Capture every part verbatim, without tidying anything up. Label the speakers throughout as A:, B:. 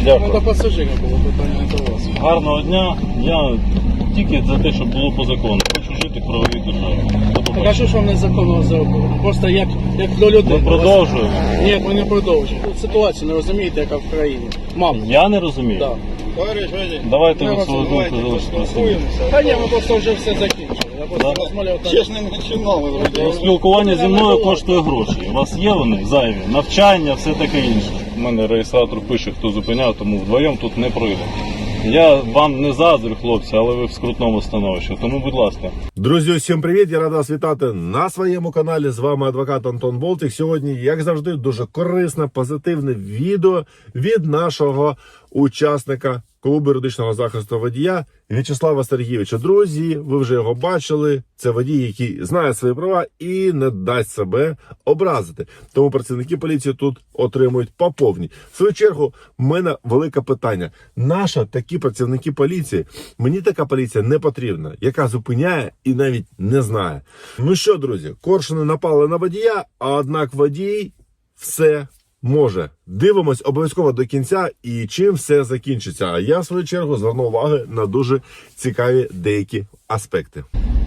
A: Дякую.
B: Ну, до пасажира було питання до вас.
A: Гарного дня. Я тільки за те, щоб було по закону. Хочу жити в правовій державі.
B: Так а що ж вам незаконно зробили? Просто як, як до людей.
A: Ми продовжуємо.
B: Ні, ми не продовжуємо. Тут ситуацію не розумієте, яка в країні. Мам.
A: Я не розумію.
B: Так.
A: Давайте
B: Ну,
A: ви свою
B: давайте
A: думку залишите.
B: Та ні, ми просто вже все закінчили. Я просто
A: Да?
B: розмовляв так.
C: Ще ж не починали.
A: Спілкування зі мною коштує гроші. У вас є вони зайві? Навчання, все таке інше. У мене реєстратор пише, хто зупиняв, тому вдвоєм тут не пройде. Я вам не заздрю, хлопці, але ви в скрутному становищі. Тому, будь ласка.
D: Друзі, усім привіт! Я рада вас вітати на своєму каналі. З вами адвокат Антон Болтик. Сьогодні, як завжди, дуже корисне, позитивне відео від нашого учасника клубу юридичного захисту водія В'ячеслава Сергійовича. Друзі, ви вже його бачили. Це водій, який знає свої права і не дасть себе образити. Тому працівники поліції тут отримують по повній. В свою чергу, в мене велике питання. Наша такі працівники поліції? Мені така поліція не потрібна, яка зупиняє і навіть не знає. Ну що, друзі, коршуни напали на водія, а однак водій все може. Дивимось обов'язково до кінця і чим все закінчиться. А я, в свою чергу, зверну увагу на дуже цікаві деякі аспекти.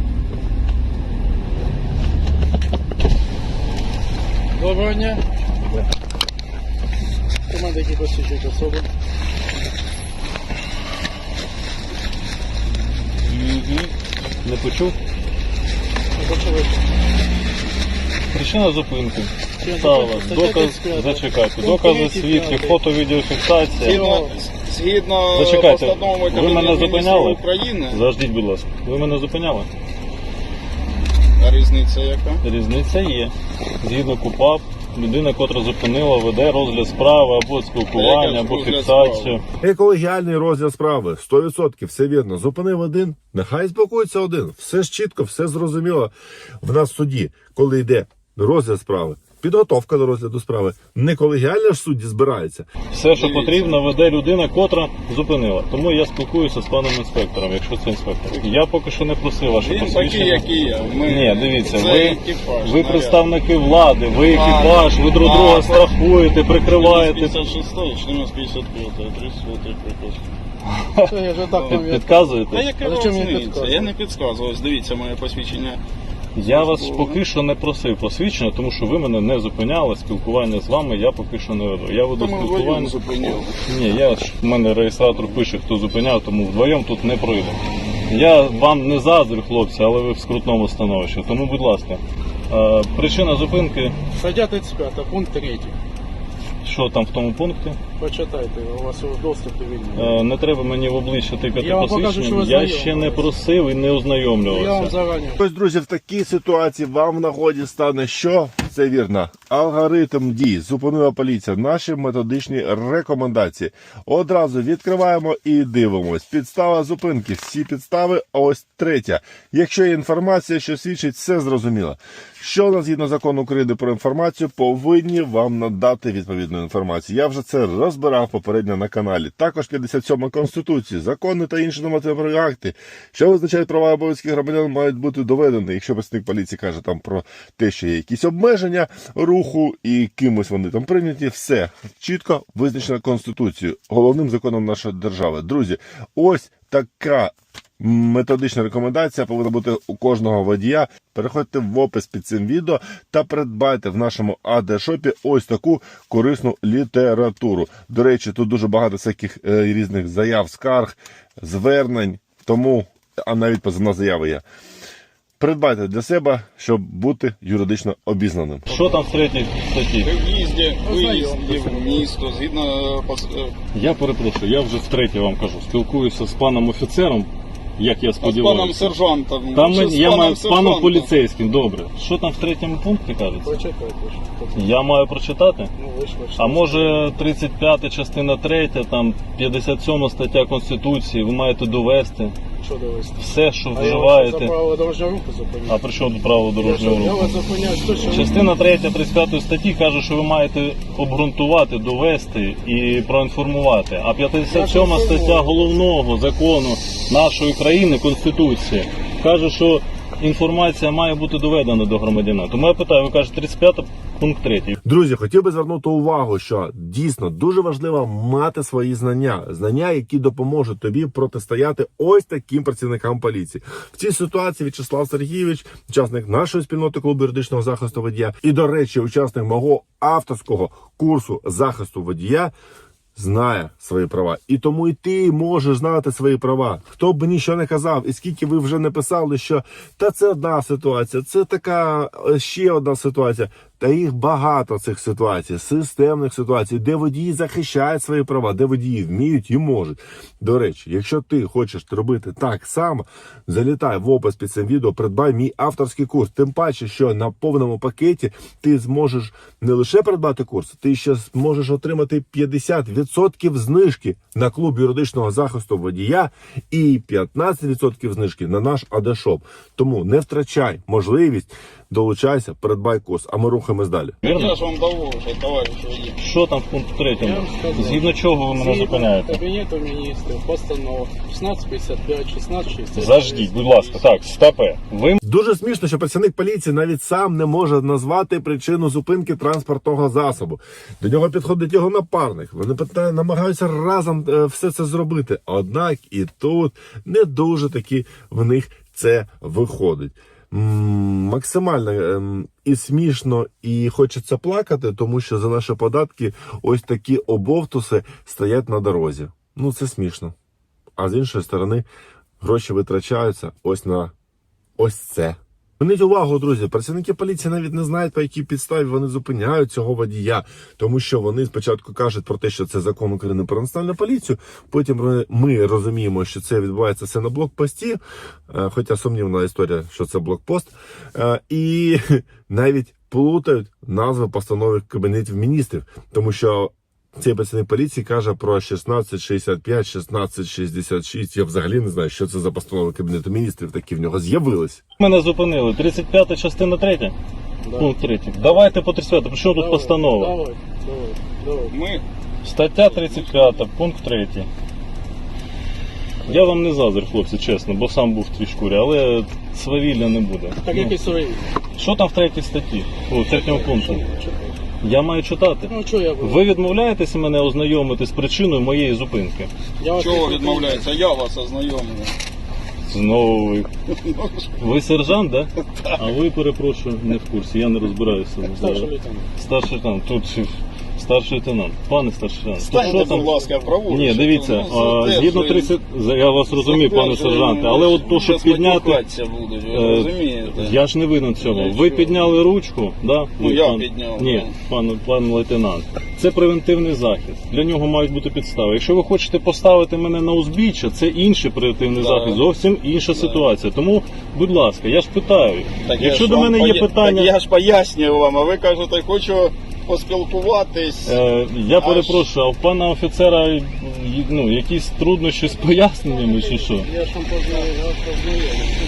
B: Доброго дня. Команда, які посвідчують особу.
A: Не почув?
B: Не почали.
A: Причина зупинки.
B: Причина
A: Стала.
B: зупинки. Стаття
A: Доказ,
B: тридцять п'ять.
A: зачекайте.
B: Пункт
A: Докази,
B: третій,
A: свідки,
B: п'ятий.
A: фото, відеофіксація.
C: Згідно, згідно
A: Зачекайте,
C: постанови
A: ви
C: Кабінету
A: мене
C: Міністрів
A: зупиняли?
C: України,
A: Заждіть, будь ласка. Ви мене зупиняли?
C: а різниця яка?
A: Різниця є. Згідно КУПАП, людина, котра зупинила, веде розгляд справи або спілкування,
C: Який
A: або
C: розгляд
A: фіксацію.
D: Екологіальний розгляд справи. сто відсотків, все вірно. Зупинив один, нехай спокоїться один. Все ж чітко, все зрозуміло. В нас в суді, коли йде розгляд справи, підготовка до розгляду справи, не колегіально ж судді збирається.
A: Все, що
C: Дивіться.
A: потрібно, веде людина, котра зупинила. Тому я спілкуюся з паном інспектором, якщо це інспектор. Я поки що не просив ваше
C: Він такий,
A: посвідчення.
C: як і я. Ми,
A: Ні, дивіться,
C: це
A: ви,
C: екіпаж,
A: ви
C: наряд.
A: представники влади, ви
C: А,
A: екіпаж, ви друг
C: а,
A: друга
C: а,
A: страхуєте, прикриваєте.
C: п'ятдесят шостий, чотириста п'ятдесят п'ять, тридцять приказ.
B: Все, я вже так вам
A: Під- Підказуєте?
C: Та яка
B: Але чому мені
C: різниця?
B: підказувати?
C: Я не підказував. Дивіться моє посвідчення.
A: Я вас поки що не просив посвідчення, тому що ви мене не зупиняли. Спілкування з вами я поки що не веду. Я веду
C: Тому вдвоєм
A: спілкування.
C: зупиняли.
A: Ні, я ж в мене реєстратор пише, хто зупиняв, тому вдвоєм тут не пройде. Я вам не заздрю, хлопці, але ви в скрутному становищі. Тому, будь ласка, е, причина зупинки,
B: Стаття тридцять п'ять, пункт третій.
A: що там в тому пункті?
B: Почитайте, у вас у доступі вільний.
A: Е, Не треба мені в обличчя тикати
B: Я вам покажу, що
A: посвідчення.
B: ви
A: Я
B: знайомі.
A: ще не просив і не
B: Я вам
A: ознайомлювався.
B: зарані.
D: Ось, друзі, в такій ситуації вам в нагоді стане що? Це вірно. Алгоритм дій. Зупинила поліція. Наші методичні рекомендації. Одразу відкриваємо і дивимось. Підстава зупинки. Всі підстави. Ось третя. Якщо є інформація, що свідчить, все зрозуміло. Що у нас згідно закону України про інформацію, повинні вам надати відповідну інформацію. Я вже це розбирав попередньо на каналі. Також п'ятдесят сьома Конституції, закони та інші нормативні акти, що визначають права і обов'язки громадян, мають бути доведені. Якщо працівник поліції каже там про те, що є якісь обмеження руху і кимось вони там прийняті, все чітко визначено Конституцією, головним законом нашої держави. Друзі, ось така методична рекомендація повинна бути у кожного водія. Переходьте в опис під цим відео та придбайте в нашому ей ді шопі ось таку корисну літературу. До речі, тут дуже багато всяких е, різних заяв, скарг, звернень, тому, а навіть позивна заява є. Придбайте для себе, щоб бути юридично обізнаним.
A: Що там в третій статті?
C: При в'їзді, виїзді в місто, згідно пос-
A: Я перепрошую, я вже втретє вам кажу. Спілкуюся з паном офіцером, як я
C: а з паном
A: сподіваюся.
C: сержантом.
A: Там
C: Що
A: мен-
C: з
A: я
C: паном
A: маю з паном
C: сержантом?
A: поліцейським, добре. Що там в третьому пункті кажеться?
B: Почитайте. що-
A: Я маю прочитати?
B: Ну, ви ж ви ж-
A: А може тридцять п'ята частина третя, там п'ятдесят сьома стаття Конституції, ви маєте довести
B: Що довести?
A: все, що
B: А я вас за
A: вживаєте.
B: правила дорожнього руху
A: А
B: зупиняю.
A: при чому тут право
B: Я що,
A: дорожнього
B: я
A: руху?
B: вас зупиняю, що, що ви-
A: Частина третя тридцять п'ятої статті каже, що ви маєте обґрунтувати, довести і проінформувати. А п'ятдесят сьома стаття головного закону нашої країни, Конституції, каже, що інформація має бути доведена до громадянина. Тому я питаю, ви кажете тридцять п'ять пункт третій.
D: Друзі, хотів би звернути увагу, що дійсно дуже важливо мати свої знання. Знання, які допоможуть тобі протистояти ось таким працівникам поліції. В цій ситуації В'ячеслав Сергійович, учасник нашої спільноти клубу юридичного захисту водія і, до речі, учасник мого авторського курсу захисту водія, знає свої права. І тому і ти можеш знати свої права. Хто б нічого не казав, і скільки ви вже не писали, що та це одна ситуація, це така ще одна ситуація. Та їх багато цих ситуацій, системних ситуацій, де водії захищають свої права, де водії вміють і можуть. До речі, якщо ти хочеш робити так само, залітай в опис під цим відео, придбай мій авторський курс. Тим паче, що на повному пакеті ти зможеш не лише придбати курс, ти ще зможеш отримати п'ятдесят відсотків знижки на клуб юридичного захисту водія і п'ятнадцять відсотків знижки на наш АД-шоп. Тому не втрачай можливість, долучайся, придбай курс, а ми рухаємось далі.
A: Вірно?
C: Я ж вам довожу, товариш водій.
A: Що там в пункті третьому?
B: Я вам сказав.
A: Згідно чого ви мене
B: Згідно
A: зупиняєте?
B: Кабінету міністрів, постанова шістнадцять п'ятдесят п'ять, шістнадцять шістдесят.
A: Заждіть, будь ласка. Так, стопе. Ви
D: Дуже смішно, що працівник поліції навіть сам не може назвати причину зупинки транспортного засобу. До нього підходить його напарник. Вони питають, намагаються разом е, все це зробити. Однак і тут не дуже таки в них це виходить. М, Максимально ем, і смішно, і хочеться плакати, тому що за наші податки ось такі обовтуси стоять на дорозі. Ну це смішно. А з іншої сторони, гроші витрачаються ось на ось це. Зверніть увагу, друзі, працівники поліції навіть не знають, по якій підставі вони зупиняють цього водія, тому що вони спочатку кажуть про те, що це закон України про національну поліцію, потім ми- ми розуміємо, що це відбувається все на блокпості, е, хоча сумнівна історія, що це блокпост, е, і навіть плутають назви постанови Кабінетів міністрів, тому що цей працівник поліції каже про шістнадцять шістдесят п'ять, шістнадцять шістдесят шість. Я взагалі не знаю, що це за постанови Кабінету міністрів, такі в нього з'явились.
A: мене зупинили. тридцять п'ята частина третя?
B: Да.
A: Пункт третій. Давайте по тридцять п'ятому. При чому тут
B: Давай,
A: постанова?
B: Давай, давай, давай.
C: Ми
A: Стаття тридцять п'ята, пункт третій. Я вам не заздрю, хлопці, чесно, бо сам був в твій шкурі, але свавілля не буде.
B: Так
A: Ну,
B: які свої?
A: що там в третій статті? О, в третьому пункті. Я маю читати.
B: Ну, що я буду?
A: Ви відмовляєтеся мене ознайомити з причиною моєї зупинки?
B: Я вас
C: чого
B: не
C: відмовляється? Я вас ознайомлю.
A: Знову ви. Ви сержант, да? А ви, перепрошую, не в курсі, я не розбираюся.
B: Старший лейтенант.
A: Старший лейтенант. Тут старший лейтенант. Пане старший лейтенант. то
C: Станьте, будь ласка, праворуч.
A: Ні, дивіться,
C: Ну,
A: а,
C: задержує-
A: згідно тридцять... Я вас розумію, пане
C: задержує,
A: сержанте, але от то, щоб
C: зараз
A: підняти...
C: матюкатися будуть, ви
A: Е,
C: розумієте?
A: Я ж не винен в цьому.
C: Ну,
A: Ви
C: що?
A: підняли ручку, да?
C: Ну,
A: Ви,
C: я
A: пан-
C: підняв,
A: Ні,
C: ну.
A: пан, пан лейтенант. Це превентивний захист. Для нього мають бути підстави. Якщо ви хочете поставити мене на узбіччя, це інший превентивний
C: Да.
A: захист, зовсім інша
C: Да.
A: ситуація. Тому, будь ласка, я ж питаю.
C: Так
A: Якщо
C: я ж
A: до
C: вам
A: мене є
C: поя-
A: питання...
C: Так я ж пояснюю вам, а ви кажете, хочу поспілкуватись.
A: Е, я
C: Аж-
A: перепрошую, а в пана офіцера й- ну, якісь труднощі з поясненнями чи що?
B: Я ж там познаю, я вас познаю.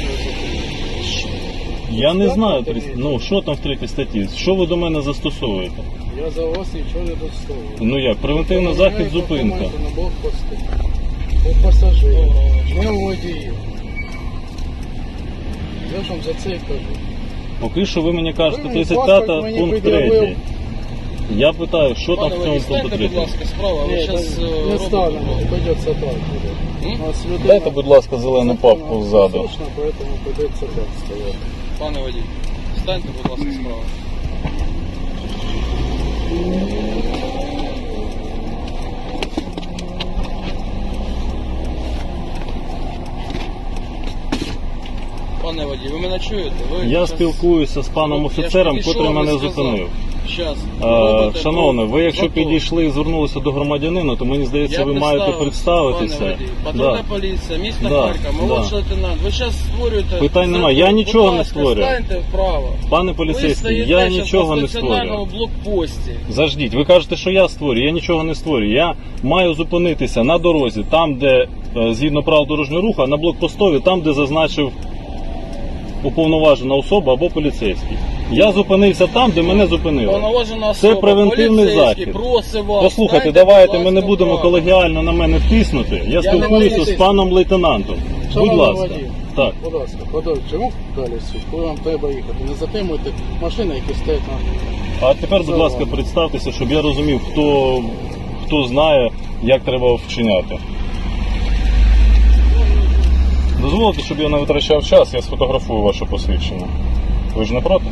A: Я не знаю, трис- ну що там в третій статті? Що ви до мене застосовуєте?
B: Я за вас нічого не доставлю.
A: Ну як, превентивний захист, зупинка.
B: На блокпости. У пасажирів. Не у водіїв. Я ж вам за це і кажу.
A: Поки що ви мені кажете
B: Ви мені
A: тридцять
B: паспорт
A: п'ята
B: мені
A: пункт
B: пред'явив.
A: третій. Я питаю, що там
E: Пане
A: в цьому
E: водій,
A: пункту
E: станьте, будь
A: третьому?
E: ласка, справа, ви
B: Ні,
E: зараз
B: не
E: робите.
B: станемо, придеться так буде.
E: М?
B: У нас людина
A: Дайте, будь ласка, зелену папку ззаду.
B: послушна, поэтому придеться так стояти.
E: Пане водій, станьте, будь ласка, справа. Пане водій, ви мене чуєте? Ви
A: Я
E: щас-
A: спілкуюся з паном
E: Я ж
A: офіцером,
E: підійшов,
A: котрий
E: ви
A: мене
E: сказав.
A: зупинив.
E: Щас.
A: Е,
E: Робите
A: Шановний, ви якщо
E: закон.
A: підійшли і звернулися до громадянина, то мені здається,
E: Я
A: ви маєте представитися.
E: Пане водій, патрульна
A: Да.
E: поліція, місто
A: Да,
E: Харків, молодший лейтенант. Ви зараз створюєте...
A: Питань
E: закон.
A: немає, я нічого
E: Будь
A: не
E: ласка,
A: створюю.
E: Станьте вправо.
A: Пане
E: Ви
A: поліцейський,
E: стоїте
A: я
E: щас
A: нічого
E: на
A: не
E: стаціонарному
A: створюю.
E: блокпості.
A: Заждіть, ви кажете, що я створюю, я нічого не створюю. Я маю зупинитися на дорозі, там, де е, згідно правил дорожнього руху, а на блокпостові, там, де зазначив уповноважена особа або поліцейський. Я зупинився там, де мене зупинили.
E: Повноважена особа,
A: превентивний
E: поліцейський,
A: захід.
E: просить вас.
A: Послухайте,
E: станьте,
A: давайте
E: будь
A: ми не
E: ласка,
A: будемо
E: вправо.
A: колегіально на мене втиснути. Я
E: не
A: спілкуюся
E: можу
A: з паном лейтенантом. Будь
B: Шановний
A: ласка.
B: водій,
A: Так.
B: Будь ласка, подовжуйте рух далі сюди, коли вам треба їхати. Не затримуйте машини, які стоять на...
A: А тепер, будь ласка, представтеся, щоб я розумів, хто, хто знає, як треба вчиняти. Дозволите, щоб я не витрачав час, я сфотографую ваше посвідчення. Ви ж не проти?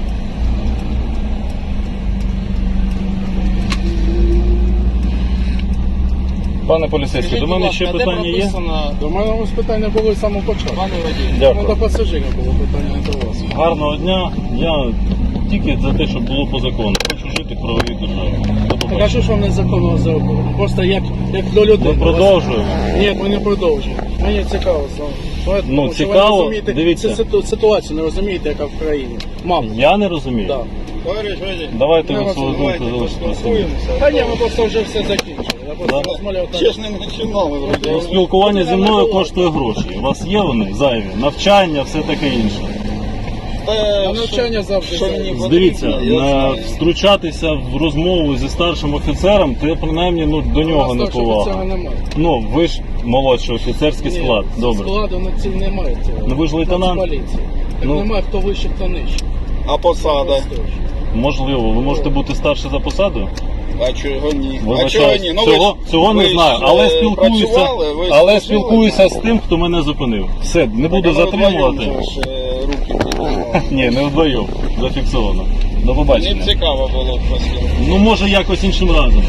A: Пане поліцейський,
E: Скажіть,
A: до
E: будь
A: мене
E: ласка,
A: ще
E: де
A: питання є?
E: прописано,
B: До мене ось питання було з самого початку.
E: пане водій?
A: Дякую.
B: Ну, до пасажира було питання, не до вас.
A: Гарного дня. Я тільки за те, щоб було по закону. Хочу жити в правовій державі. До
B: Так а
A: побачення.
B: що ж вам незаконно зробили? Просто як, як до людей.
A: Ми продовжуємо.
B: Ні, ми не продовжуємо. Мені цікаво саме. Тому що ви
A: цікаво,
B: не розумієте
A: дивіться.
B: цю ситу- ситуацію, не розумієте, яка в країні. Мам,
A: Я не розумію.
B: да.
C: Товариш водій,
A: Давайте
B: Я
A: ви
B: вас
A: свою думку
C: давайте
A: залишите при собі.
C: поспілкуємося.
B: Та ні, ми просто вже все закінчили. Я просто
A: Да?
B: розмовляв так.
C: Ще ж не починали вроді.
A: Ну, спілкування зі мною коштує гроші. У вас є вони зайві? Навчання, все таке інше.
C: Та,
B: На навчання завжди
C: що
B: зайві.
C: мені потрібно,
A: Дивіться,
C: я
A: на,
C: знаю.
A: втручатися в розмову зі старшим офіцером, це принаймні ну, до нього не
B: Старшого офіцера
A: повага.
B: немає.
A: Ну, ви ж молодший офіцерський
B: Ні,
A: склад. Добре.
B: Складу на цій немає цього.
A: Ну, ви ж лейтенант.
B: Нацполіції. Так
A: Ну.
B: немає, хто вище, хто нижче.
C: А посада?
A: Можливо, ви можете бути старше за посадою?
C: А чого ні? А
A: Вибачаюсь,
C: чого ні? Ну, ви
A: цього,
C: ж-
A: цього
C: ви
A: не
C: ж,
A: знаю,
C: е,
A: але спілкуюся,
C: працювали, ви ж
A: але
C: служили,
A: спілкуюся з
C: так?
A: тим, хто мене зупинив. Все, не буду
C: Так, а ви
A: затримувати.
C: вдвоєм же ж, е, руки піднімали.
A: Ні, не вдвоєм. Зафіксовано. До
C: Мені
A: побачення.
C: цікаво було б поспілкуватися.
A: Ну, може, якось іншим разом.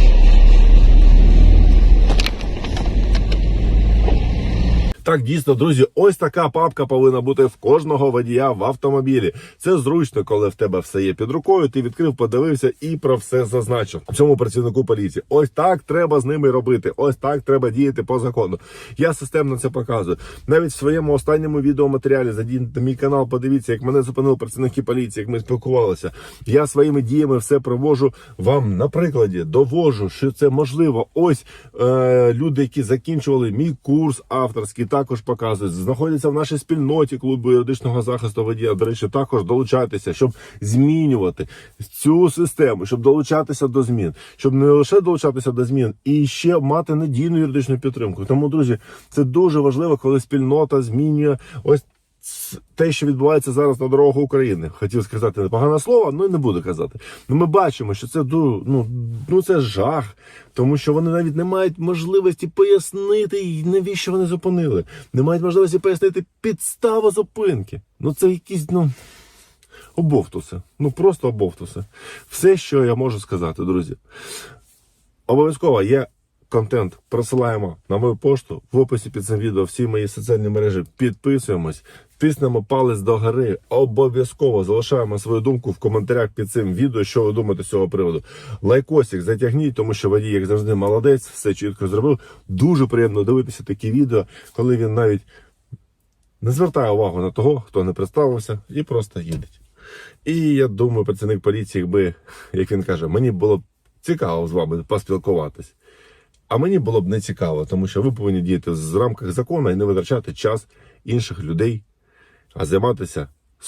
D: Так, дійсно, друзі, ось така папка повинна бути в кожного водія в автомобілі. Це зручно, коли в тебе все є під рукою, ти відкрив, подивився і про все зазначив. Цьому працівнику поліції. Ось так треба з ними робити. Ось так треба діяти по закону. Я системно це показую. Навіть в своєму останньому відеоматеріалі, зайдіть на мій канал, подивіться, як мене зупинили працівники поліції, як ми спілкувалися. Я своїми діями все привожу вам на прикладі, довожу, що це можливо. Ось е, люди, які закінчували мій курс авторський, також показують, знаходяться в нашій спільноті клубу юридичного захисту водія. До речі, також долучайтеся, щоб змінювати цю систему, щоб долучатися до змін, щоб не лише долучатися до змін, і ще мати надійну юридичну підтримку. Тому, друзі, це дуже важливо, коли спільнота змінює ось те, що відбувається зараз на дорогах України. Хотів сказати непогане слово, але не буду казати. Ну, ми бачимо, що це, ну, ну, це жах, тому що вони навіть не мають можливості пояснити, навіщо вони зупинили. Не мають можливості пояснити підставу зупинки. Ну, це якісь, ну, обовтуси. Ну, просто обовтуси. Все, що я можу сказати, друзі. Обов'язково є контент, просилаємо на мою пошту, в описі під цим відео всі мої соціальні мережі, підписуємось, тиснемо палець догори, обов'язково залишаємо свою думку в коментарях під цим відео, що ви думаєте з цього приводу. Лайкосик затягніть, тому що водій, як завжди, молодець, все чітко зробив. Дуже приємно дивитися такі відео, коли він навіть не звертає увагу на того, хто не представився, і просто їде. І я думаю, працівник поліції, якби, як він каже, мені було б цікаво з вами поспілкуватись. А мені було б не цікаво, тому що ви повинні діяти в рамках закону і не витрачати час інших людей, а займатися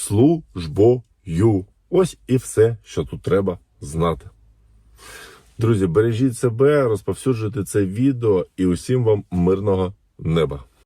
D: службою. Ось і все, що тут треба знати. Друзі, бережіть себе, розповсюджуйте це відео і усім вам мирного неба.